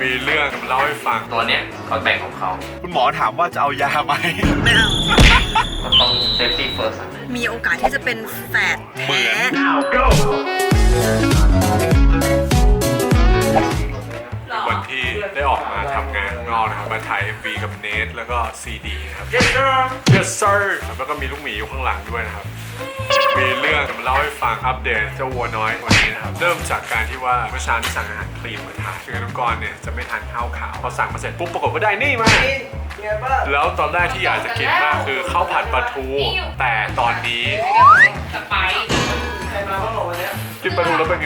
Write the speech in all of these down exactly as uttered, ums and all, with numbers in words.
มีเรื่องเล่าให้ฟังตัวเนี้ยเขาแต่งของเขาคุณหมอถามว่าจะเอายาไหมไม่เอาก็ต้อง safety first มีโอกาสที่จะเป็นแฝดแท้วันที่ได้ออกมาทำงานข้างนอกนะครับมาถ่าย เอ็ม วี กับเนทแล้วก็ ซี ดี นะครับ Yes sir แล้วก็มีลูกหมีอยู่ข้างหลังด้วยนะครับมีเรื่องจะมาเล่าให้ฟังอัปเดตเจ้าวัวน้อยวันนี้นะครับเริ่มจากการที่ว่าเมื่อเช้าที่สั่งอาหารคลีนมาทานคือน้องกรเนี่ยจะไม่ทานข้าวขาวพอสั่งมาเสร็จปุ๊บปรากฏว่าได้นี่มาแล้วตอนแรกที่อยากจะกินมากคือข้าวผัดปลาทูแต่ตอนนี้กินปลาทูแล้วเป็นไง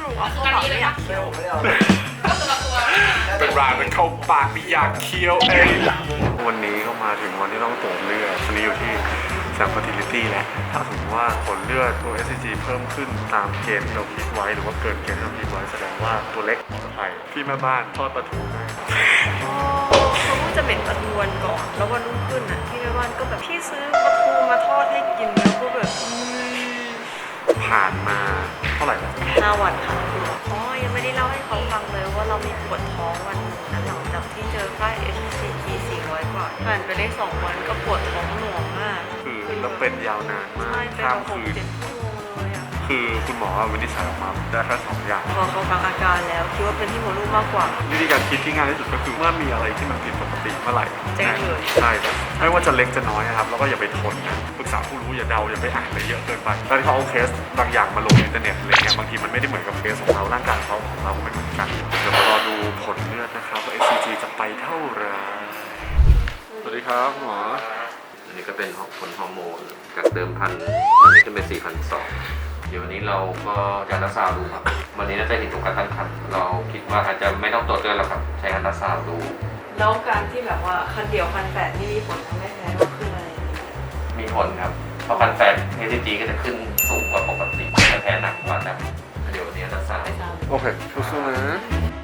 เป็นรางเป็นเข้าปากไม่อยากเคี้ยวเองวันนี้ก็มาถึงวันที่ต้องตรวจเลือดวันนี้อยู่ที่แซม fertility แล้วถ้าสมมติว่าผลเลือดตัว เอส ซี จี เพิ่มขึ้นตามเกณฑ์ที่เราคิดไว้หรือว่าเกินเกณฑ์ที่เราคิดไว้แสดงว่าตัวเล็กปลอดภัยพี่แม่บ้านทอดปลาทูได้เขาก็จะเหม็นปลาทูวันก่อนแล้ววันรุ่งขึ้นอ่ะพี่แม่บ้านก็แบบพี่ซื้อปลาทูมาทอดให้กินแล้วก็แบบผ่านมาเท่าไหร่แล้วห้าวันค่ะอ๋อยังไม่ได้เล่าให้เขาฟังเลยว่าเรามีปวดท้องวันนั้นหลังจากที่เจอค่า เอช ซี จี สี่ร้อยกว่าผ่านไปได้สองวันก็ปวดท้องหน่วงมากคือแล้วเป็นยาวนานมากข้ามคืนคือคุณหมอวินิจฉัยออกมาได้แค่สองอย่างพอเขาฟังอาการแล้วคิดว่าเป็นที่หัวลูกมากกว่าวิธีการคิดที่ง่ายที่สุดก็คือเมื่อมีอะไรที่มันผิดปกติเมื่อไหร่แจ้งเลยใช่ไม่ว่าจะเล็กจะน้อยนะครับแล้วก็อย่าไปทนนะปรึกษาผู้รู้อย่าเดาอย่าไปอ่านอะไรเยอะเกินไปตอนที่เขาเอาเคสบางอย่างมาลงอินเทอร์เน็ตอะไรเงี้ยบางทีมันไม่ได้เหมือนกับเคสของเราร่างกายเขาของเราไม่เหมือนกันเดี๋ยวมารอดูผลเลือดนะครับว่า เอส ซี จี จะไปเท่าไหร่สวัสดีครับหมออันนี้ก็เป็นผลฮอร์โมนจากเดิมพันตอนนี้ขึ้นเป็น สี่พันสองร้อย เดี๋ยววันนี้เราก็จะอัลตราซาวด์ดูครับวันนี้น่าจะเห็นตรงการตั้งครรภ์เราคิดว่าอาจจะไม่ต้องตรวจเลือดแล้วครับใช้อัลตราซาวด์ดูแล้วการที่แบบว่าคันเดียวคันแฝดนี่มีผลทำให้แพ้ก็คืออะไรมีผลครับเพราะคันแฝด เอส ซี จี ก็จะขึ้นสูงกว่าปกติจะแพ้หนักกว่านะเดี๋ยววันนี้อัลตราซาวด์โอเคสู้ๆนะ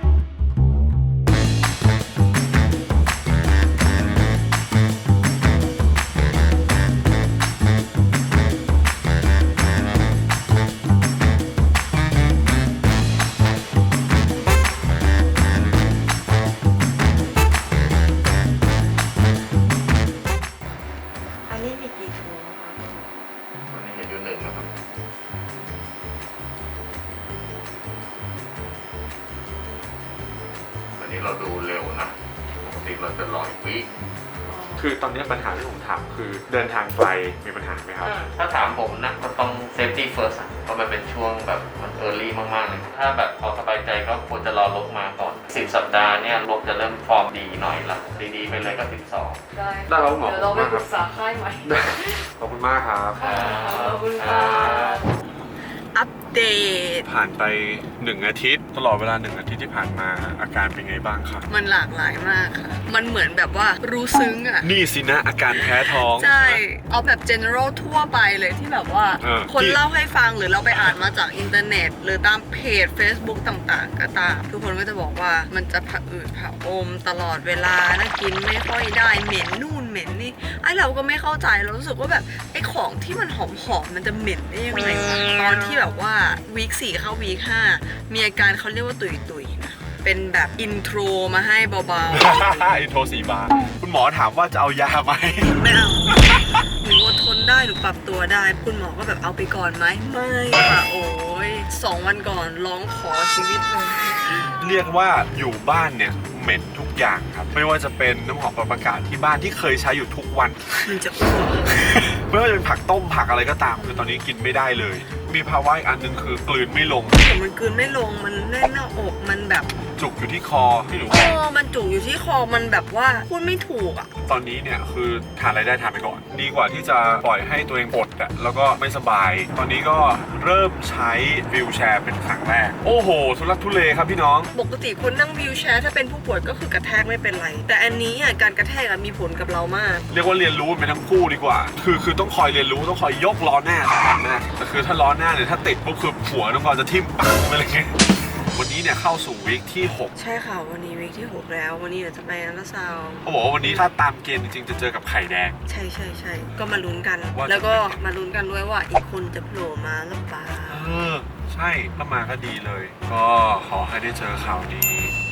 เราดูเร็วนะปกติเราจะรออีกวิคือตอนนี้ปัญหาที่ผมถามคือเดินทางไกลมีปัญหาไหมครับถ้าถามผมนะก็ต้อง safety first เพราะมันเป็นช่วงแบบมัน early มากๆเลยถ้าแบบเอาสบายใจก็ควรจะรอลบมาก่อนสิบสัปดาห์เนี่ยลบจะเริ่มฟอร์มดีหน่อยละดีๆไปเลยก็สิบสองได้ได้แล้วหมอเดี๋ยวเราไปปรึกษาค่ายใหม่ขอบคุณมากครับขอบคุณค่ะอัปเดตผ่านไปหนึ่งอาทิตย์ตลอดเวลาหนึ่งอาทิตย์ที่ผ่านมาอาการเป็นไงบ้างครับมันหลากหลายมากค่ะมันเหมือนแบบว่ารู้ซึ้งอ่ะนี่สินะอาการแพ้ท้องใช่เอาแบบ general ทั่วไปเลยที่แบบว่าคนเล่าให้ฟังหรือเราไปอ่านมาจากอินเทอร์เน็ตหรือตามเพจ Facebook ต่างๆก็ตามทุกคนก็จะบอกว่ามันจะผะอืดผะอมตลอดเวลานะกินไม่ค่อยได้เหม็นนู่นเหม็นนี่ไอ้เราก็ไม่เข้าใจเรารู้สึกว่าแบบไอ้ของที่มันหอมๆมันจะเหม็นได้ยังไงตอนที่แบบว่าวีคสี่เข้าวีคห้ามีอาการเขาเรียกว่าตุยตุยนะเป็นแบบอินโทรมาให้เบาๆอินโทรสี่บาทคุณหมอถามว่าจะเอายาไหมไม่เอาหนูอดทนได้หนูปรับตัวได้คุณหมอก็แบบเอาไปก่อนไหมไม่ค่ะโอ้ยสองวันก่อนร้องขอชีวิตเลยเรียกว่าอยู่บ้านเนี่ยเหม็นทุกอย่างครับไม่ว่าจะเป็นน้ำหอมปรับอากาศที่บ้านที่เคยใช้อยู่ทุกวันมันจะอ้วกไม่ว่าจะเป็นผักต้มผักอะไรก็ตามคือตอนนี้กินไม่ได้เลยมีภาวะอีกอันนึงคือกลืนไม่ลงมันกลืนไม่ลงมันแน่นหน้าอกมันแบบจุกอยู่ที่คอที่หนูเออมันจุกอยู่ที่คอมันแบบว่าพูดไม่ถูกอ่ะตอนนี้เนี่ยคือทานอะไรได้ทานไปก่อนดีกว่าที่จะปล่อยให้ตัวเองอดอ่ะแล้วก็ไม่สบายตอนนี้ก็เริ่มใช้วีลแชร์เป็นครั้งแรกโอ้โหทุลักทุเลครับพี่น้องปกติคนนั่งวีลแชร์ถ้าเป็นผู้ป่วยก็คือกระแทกไม่เป็นไรแต่อันนี้อ่ะการกระแทกมีผลกับเรามากเรียกว่าเรียนรู้ไปทั้งคู่ดีกว่าคือคือต้องคอยเรียนรู้ต้องคอยยกล้อหน้าหน้าแต่คือถ้าล้อหน้าเนี่ยถ้าติดปุ๊บคือหัวน้องกรจะทิ่มปังไปเลยวันนี้เนี่ยเข้าสู่วีคที่หกใช่ค่ะวันนี้วีคที่หกแล้ววันนี้เดี๋ยวจะไปอัลตราซาวด์เขาบอกว่าวันนี้ถ้าตามเกณฑ์จริงๆจะเจอกับไข่แดงใช่ใช่ใช่ก็มาลุ้นกันแล้วก็มาลุ้นกันด้วยว่าอีกคนจะโผล่มาหรือเปล่าเออใช่ถ้ามาก็ดีเลยก็ขอให้ได้เจอข่าวดี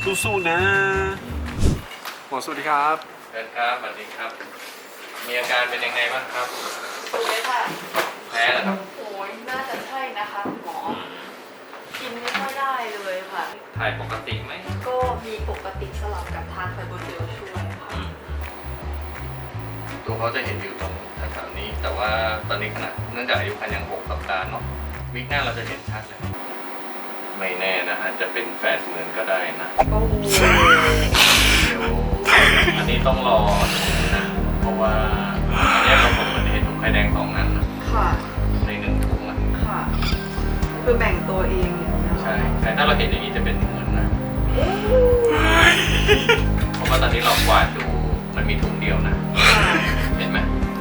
สู้ๆนะหมอสวัสดีครับเชิญครับสวัสดีครับ มีอาการเป็นยังไงบ้างครับป่วยค่ะแพ้เหรอครับโอ้ยน่าจะใช่นะคะคุณหมอ กินไม่ค่อยได้เลยค่ะถ่ายปกติไหมก็มีปกติสลับกับทานไฟโบเจลช่วยค่ะตัวเขาจะเห็นอยู่ตรงแถวๆนี้ แต่ว่าตอนนี้ขนาดเนื่องจากอายุคันยังหกสัปดาห์เนาะวิกหน้าเราจะเห็นชัดเลย ไม่แน่นะอาจจะเป็นแฝดเหมือนก็ได้นะโอ้โหเดี๋ยวอันนี้ต้องรอนะเพราะว่าอันนี้เราผมจะเห็นถุงไข่แดงสองนั้นนะค่ะในหนึ่งถุงอะค่ะ คือแบ่งตัวเองอย่างเงี้ยใช่แต่ถ้าเราเห็นอย่างนี้จะเป็นเหมือนนะ เพราะว่าตอนนี้เรากวาดดูมันมีถุงเดียวนะ เห็นไหม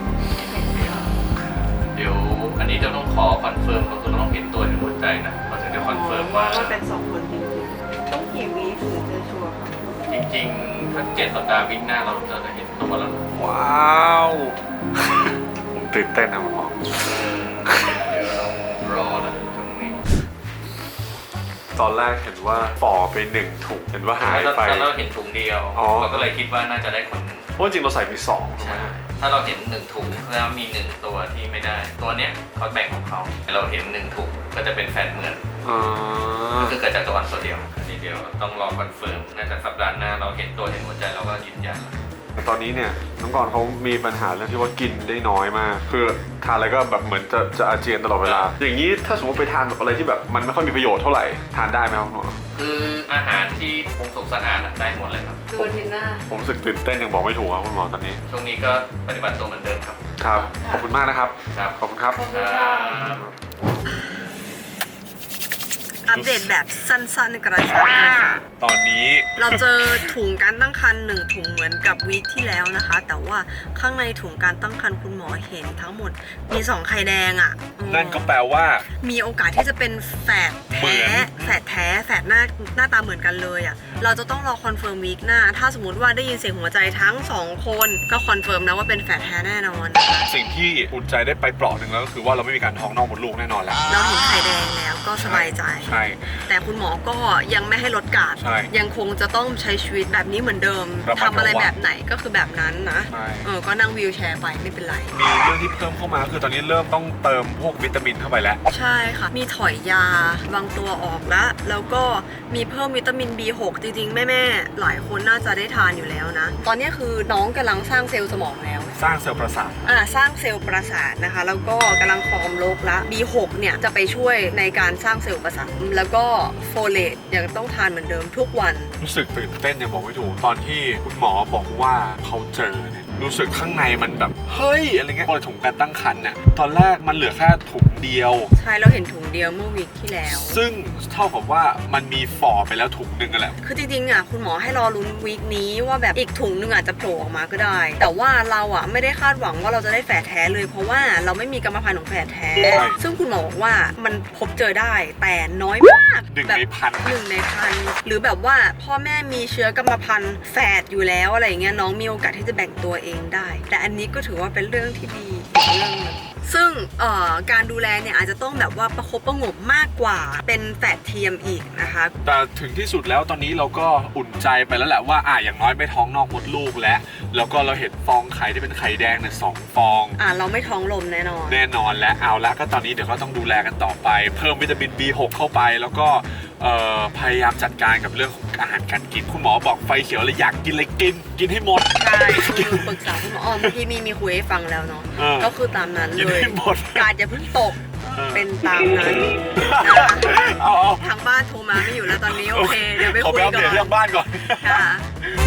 เดี๋ยวอันนี้จะต้องขอคอนเฟิร์มเราคือเราต้องเห็นตัวเห็นหัวใจนะเราถึงจะคอนเฟิร์มว่าว่าเป็นสองคนจริงๆต้องกี่วีถึงจะชัวร์ค่ะจริงๆถ้าเจ็ดสัปดาห์วิ่งหน้าเราจะเห็นตัวแล้วนะว้าวผมตื่นเต้นนะคุณหมอเดี๋ยวเรารอนะตรงนี้ตอนแรกเห็นว่าฝ่อไปหนึ่งถุงเห็นว่าหายไปถ้าเราเห็นถุงเดียวอ๋อเราก็เลยคิดว่าน่าจะได้คนหนึ่งเพราะจริงเราใส่ไปสองถูกไหมใช่ถ้าเราเห็นหนึ่งถุงแล้วมีหนึ่งตัวที่ไม่ได้ ตัวเนี้ยเขาแบ่งของเขาเราเห็นหนึ่งถุงก็จะเป็นแฟนเหมือนอ่าก็คือเกิดจากตัววันตัวเดียวอันนี้เดียวต้องรอคอนเฟิร์มน่าจะสัปดาห์หน้าเราเห็นตัวเห็นหัวใจเราก็ยืนยันแต่ตอนนี้เนี่ยน้องกรณ์เขามีปัญหาเรื่องที่ว่ากินได้น้อยมาก คือทานอะไรก็แบบเหมือนจะจะอาเจียนตลอดเวลา อย่างนี้ถ้าสมมติไปทานแบบอะไรที่แบบมันไม่ค่อยมีประโยชน์เท่าไหร่ทานได้ไหมครับคุณหมอคืออาหารที่ปรุงสุกสะอาดอะได้หมดเลยครับดูทีหน้าผมรู้สึกตื่นเต้นยังบอกไม่ถูกครับคุณหมอตอนนี้ช่วงนี้ก็ปฏิบัติตัวเหมือนเดิมครับครับ ขอบคุณมากนะครับครับขอบคุณครับขอบคุณค่ะ อัปเดตแบบสั้นๆกระชับนะคะตอนนี้เราเจอถุงการตั้งครรภ์หนึ่งถุงเหมือนกับวีคที่แล้วนะคะ แต่ว่าข้างในถุงการตั้งครรภ์คุณหมอเห็นทั้งหมดมีสองไข่แดงอะ่ะอืมนั่นก็แปลว่ามีโอกาสที่จะเป็นแฝดเหมืแท้อนแฝดแท้แฝดหน้าหน้าตาเหมือนกันเลยอะ่ะเราจะต้องรอคอนเฟิร์มวีคหน้า ถ้าสมมติว่าได้ยินเสียงหัวใจทั้งสองคนก็คอนเฟิร์มนะว่าเป็นแฝดแท้แน่นอนนะคะสิ่งที่อุ่นใจได้ไปเปลาะหนึ่งแล้วก็คือว่าเราไม่มีการท้องนอกมดลูกแน่นอนแล้วเราเห็นไข่แดงแล้วก็สบายใจใช่แต่คุณหมอก็ยังไม่ให้ลดการ์ดใช่ยังคงจะต้องใช้ชีวิตแบบนี้เหมือนเดิมระมัดระวังทำอะไรแบบไหนก็คือแบบนั้นนะใช่เออก็นั่งวีลแชร์ไปไม่เป็นไรมีเรื่องที่เพิ่มเข้ามาคือตอนนี้เริ่มต้องเติมพวกวิตามินเข้าไปแล้วใช่ค่ะ มีถอยยาบางตัวออกแล้ว แล้วก็มีเพิ่มวิตามิน บี หก จริงๆ แม่ๆ หลายคนน่าจะได้ทานอยู่แล้วนะ ตอนนี้คือน้องกำลังสร้างเซลล์สมองแล้วสร้างเซลล์ประสาทอ่าสร้างเซลล์ประสาทนะคะ แล้วก็กำลังฟอร์มโรคละ บี หก เนี่ยจะไปช่วยในการสร้างเซลล์ประสาท แล้วก็โฟเลตยังต้องทานเหมือนเดิมทุกวันรู้สึกตื่นเต้นยังบอกไม่ถูกตอนที่คุณหมอบอกว่าเขาเจอเนี่ยรู้สึกข้างในมันแบบเฮ้ยอะไรเงี้ยพอถุงการตั้งครรภ์เนี่ยตอนแรกมันเหลือแค่ถุงเดียวใช่เราเห็นถุงเดียวเมื่อวีคที่แล้วซึ่งเท่ากับว่ามันมีฝ่อไปแล้วถุงหนึ่งกันแหละคือจริงๆอ่ะคุณหมอให้รอลุ้นวีคนี้ว่าแบบอีกถุงหนึงอาจจะโผล่ออกมาก็ได้ แต่ว่าเราอ่ะไม่ได้คาดหวังว่าเราจะได้แฝดแท้เลย เพราะว่าเราไม่มีกรรมพันธุ์ของแฝดแท้ใช่ซึ่งคุณหมอบอกว่ามันพบเจอได้แต่น้อยมากหนึ่งแบบในพันหนึ่งในพันหรือแบบว่าพ่อแม่มีเชื้อกรรมพันธุ์แฝดอยู่แล้วอะไรอย่างเงี้ยน้องมีโอกาสที่จะแบ่งตัวเองได้ แต่อันนี้ก็ถือว่าเป็นเรื่องที่ดีอีกเรื่องหนึงซึ่งเอ่อการดูแลเนี่ยอาจจะต้องแบบว่าประคบประหงมมากกว่าเป็นแฝดเทียมอีกนะคะแต่ถึงที่สุดแล้วตอนนี้เราก็อุ่นใจไปแล้วแหละว่าอ่ะอย่างน้อยไม่ท้องนอกมดลูกแล้วแล้วก็เราเห็นฟองไข่ที่เป็นไข่แดงเนี่ยสองฟองอ่าเราไม่ท้องลมแน่นอนแน่นอนและเอาละก็ตอนนี้เดี๋ยวก็ต้องดูแลกันต่อไป เพิ่มวิตามิน บี หก เข้าไป แล้วก็เอ่อพยายามจัดการกับเรื่องของอาหารการกินคุณหมอบอกไฟเขียวเลยอยากกินเลยกิน กินให้หมดใช่คือปรึกษาคุณหมออ๋อเมื่อกี้มีมีคุยให้ฟังแล้วเนาะเออก็คือตามนั้นกินเลยให้หมดการอย่าเพิ่งตกเออเป็นตามนั้นนะคะเอาเอาทางบ้านโทรมาไม่อยู่แล้วตอนนี้โอเค เดี๋ยวไปขอคุไปยอัปก่เดตอนเรื่องบ้านก่อนค่ะ